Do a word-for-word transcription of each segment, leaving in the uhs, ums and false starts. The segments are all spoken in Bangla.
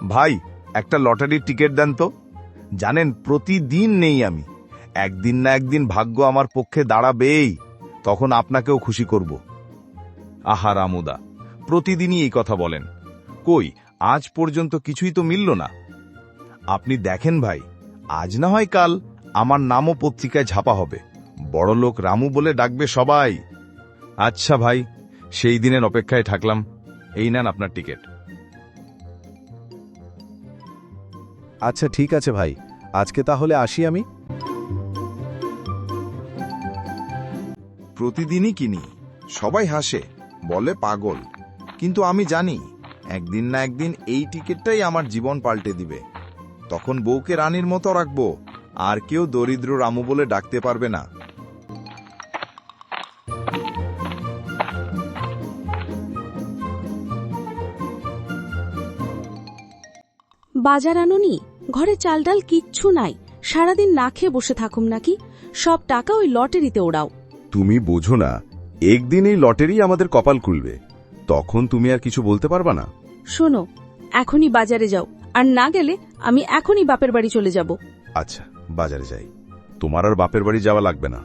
ভাই, একটা লটারির টিকিট দেন তো। জানেন, প্রতিদিন নেই আমি। একদিন না একদিন ভাগ্য আমার পক্ষে দাঁড়াবেই, তখন আপনাকেও খুশি করব। আহা রামুদা, প্রতিদিনই এই কথা বলেন, কই আজ পর্যন্ত কিছুই তো মিলল না। আপনি দেখেন ভাই, আজ না হয় কাল আমার নামও পত্রিকায় ছাপা হবে, বড়লোক রামু বলে ডাকবে সবাই। আচ্ছা ভাই, সেই দিনের অপেক্ষায় থাকলাম। এই নেন আপনার টিকিট। আচ্ছা ঠিক আছে ভাই, আজকে তাহলে আসি আমি। প্রতিদিনই কিনি, সবাই হাসে, বলে পাগল, কিন্তু আমি জানি একদিন না একদিন এই টিকিটটাই আমার জীবন পাল্টে দিবে। তখন বউকে রানীর মতো রাখবো, আর কেউ দরিদ্র রামু বলে ডাকতে পারবে না। বাজার আনুনি? ঘরে চাল ডাল কিচ্ছু নাই, সারাদিন না খেয়ে বসে থাকুম নাকি? সব টাকা ওই লটারিতে ওড়াও। তুমি বোঝো না, একদিন এই লটারি আমাদের কপাল খুলবে, তখন তুমি আর কিছু বলতে পারবা না। শোনো, এখনই বাজারে যাও, আর না গেলে আমি এখনই বাপের বাড়ি চলে যাব। আচ্ছা, বাজারে যাই, তোমার আর বাপের বাড়ি যাওয়া লাগবে না।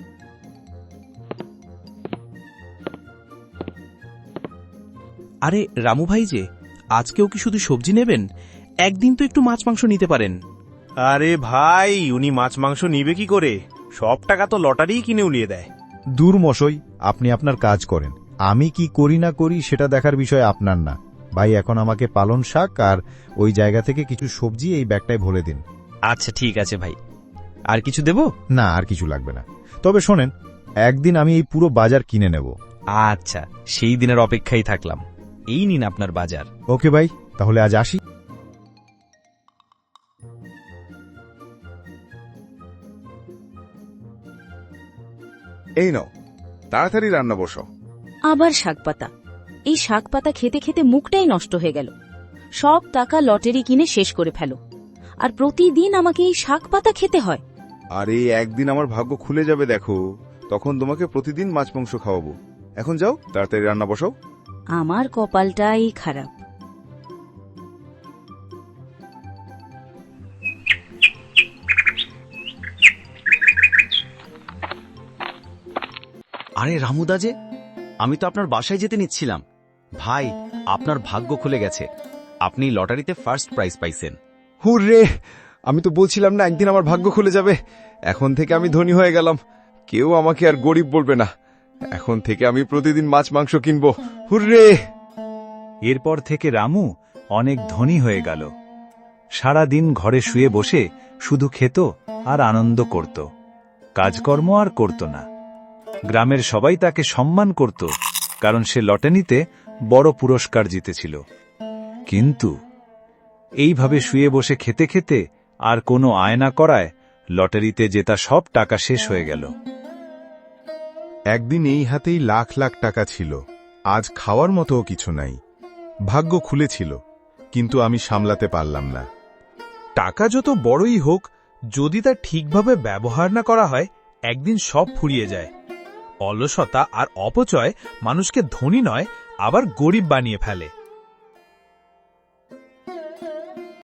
আরে রামু ভাই যে, আজকেও কি শুধু সবজি নেবেন? একদিন তো একটু মাছ মাংস নিতে পারেন। আরে ভাই, উনি মাছ মাংস নিবে কি করে? সব টাকা তো লটারিই কিনে উলিয়ে দেয়। দূর মশাই, আপনি আপনার কাজ করেন, আমি কি করি না করি সেটা দেখার বিষয় আপনার না। ভাই, এখন আমাকে পালন শাক আর ওই জায়গা থেকে কিছু সবজি এই ব্যাগটায় ভরে দিন। আচ্ছা ঠিক আছে ভাই, আর কিছু দেব? না, আর কিছু লাগবে না। তবে শোনেন, একদিন আমি এই পুরো বাজার কিনে নেব। আচ্ছা, সেই দিনের অপেক্ষায় থাকলাম। এই নিন আপনার বাজার। ওকে ভাই, তাহলে আজ আসি। এই নাও, তাড়াতাড়ি রান্না বসো। আবার শাকপাতা? এই শাকপাতা খেতে খেতে মুখটাই নষ্ট হয়ে গেল। সব টাকা লটারি কিনে শেষ করে ফেলো, আর প্রতিদিন আমাকে এই শাকপাতা খেতে হয়। আরে একদিন আমার ভাগ্য খুলে যাবে, দেখো, তখন তোমাকে প্রতিদিন মাছ মাংস খাওয়াবো। এখন যাও, তাড়াতাড়ি রান্না বসাও। আমার কপালটাই খারাপ। আরে রামুদা যে, আমি তো আপনার বাসায় যেতে নিচ্ছিলাম। ভাই, আপনার ভাগ্য খুলে গেছে, আপনি লটারিতে ফার্স্ট প্রাইজ পাইছেন। হুররে, আমি তো বলছিলাম না একদিন আমার ভাগ্য খুলে যাবে। এখন থেকে আমি ধনী হয়ে গেলাম, কেউ আমাকে আর গরিব বলবে না। এখন থেকে আমি প্রতিদিন মাছ মাংস কিনবো। হুররে! এরপর থেকে রামু অনেক ধনী হয়ে গেল। সারা দিন ঘরে শুয়ে বসে শুধু খেত আর আনন্দ করত, কাজকর্ম আর করত না। গ্রামের সবাই তাকে সম্মান করত, কারণ সে লটারিতে বড় পুরস্কার জিতেছিল। কিন্তু এইভাবে শুয়ে বসে খেতে খেতে আর কোনো আয় না করায় লটারিতে জেতা সব টাকা শেষ হয়ে গেল। একদিন এই হাতেই লাখ লাখ টাকা ছিল, আজ খাওয়ার মতোও কিছু নাই। ভাগ্য খুলেছিল, কিন্তু আমি সামলাতে পারলাম না। টাকা যত বড়ই হোক, যদি তা ঠিকভাবে ব্যবহার না করা হয়, একদিন সব ফুরিয়ে যায়। অলসতা আর অপচয় মানুষকে ধনী নয়, আবার গরিব বানিয়ে ফেলে।